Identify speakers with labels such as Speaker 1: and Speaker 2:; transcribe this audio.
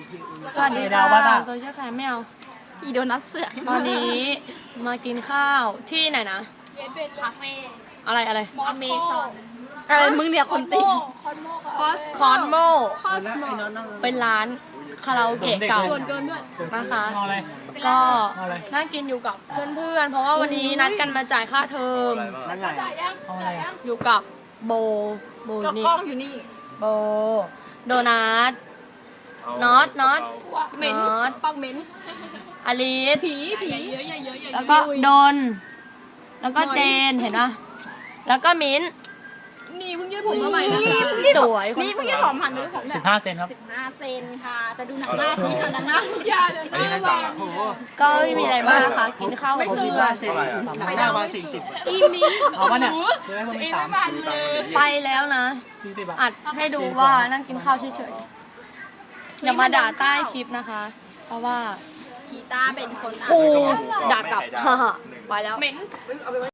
Speaker 1: สวัสดีค่ะโซเชียลแคมไม่เอา
Speaker 2: อีโดนัทเสือก
Speaker 1: ตอนนี้มากินข้าวที่ไหนนะ
Speaker 2: คาเฟ่
Speaker 1: อะไร
Speaker 2: อเมซอนมึงเนี่ยคนติง
Speaker 1: คอนโมเป็นร้านคาราโอเกะเก่านะคะ ก็นั่งกินอยู่กับเพื่อนๆ เพราะว่าวันนี้นัดกันมาจ่ายค่าเทอม
Speaker 3: นั่นไง
Speaker 1: อยู่กับโบนี่
Speaker 2: กล้องอยู่นี่
Speaker 1: โบโดนัทน็อต
Speaker 2: เหม็น
Speaker 1: น็อต
Speaker 2: ปักเหม็น
Speaker 1: อลิส
Speaker 2: ผีเยอะ
Speaker 1: แล้วก็ดน แล้วก็เจนเห็นปะแล้วก็มิ้น
Speaker 2: นี่เพิ่งยืดผมมาใหม่นะคะ
Speaker 1: สวย
Speaker 2: นี่เพิ่งยืดผมหันดูผมแบบ
Speaker 4: 15 เซนครับ
Speaker 2: 15 เซนค่ะ แต่ดูหนังหน้าสิค่ะหนังหน้าอย่าเลย
Speaker 3: อันนี้ให้สั่งอ่ะโอ้โห
Speaker 1: ก็ไม่มีอะไรมากนะคะ กินข้าวกับเพื่อน
Speaker 3: เท่าไหร่อ่ะหนังหน้ามา40
Speaker 2: อีมี
Speaker 4: เอาปะเนี่ยจะได้คนมีสาม
Speaker 1: ไปแล้วนะ
Speaker 4: 40 บาท
Speaker 1: อัดให้ดูว่านั่งกินข้าวเฉยๆอย่ามาด่าใต้คลิปนะคะ เพราะว่า
Speaker 2: กีตาร์เป็นคนอ่ะ
Speaker 1: กูด่ากลับ ไปแล้ว
Speaker 2: เหม็น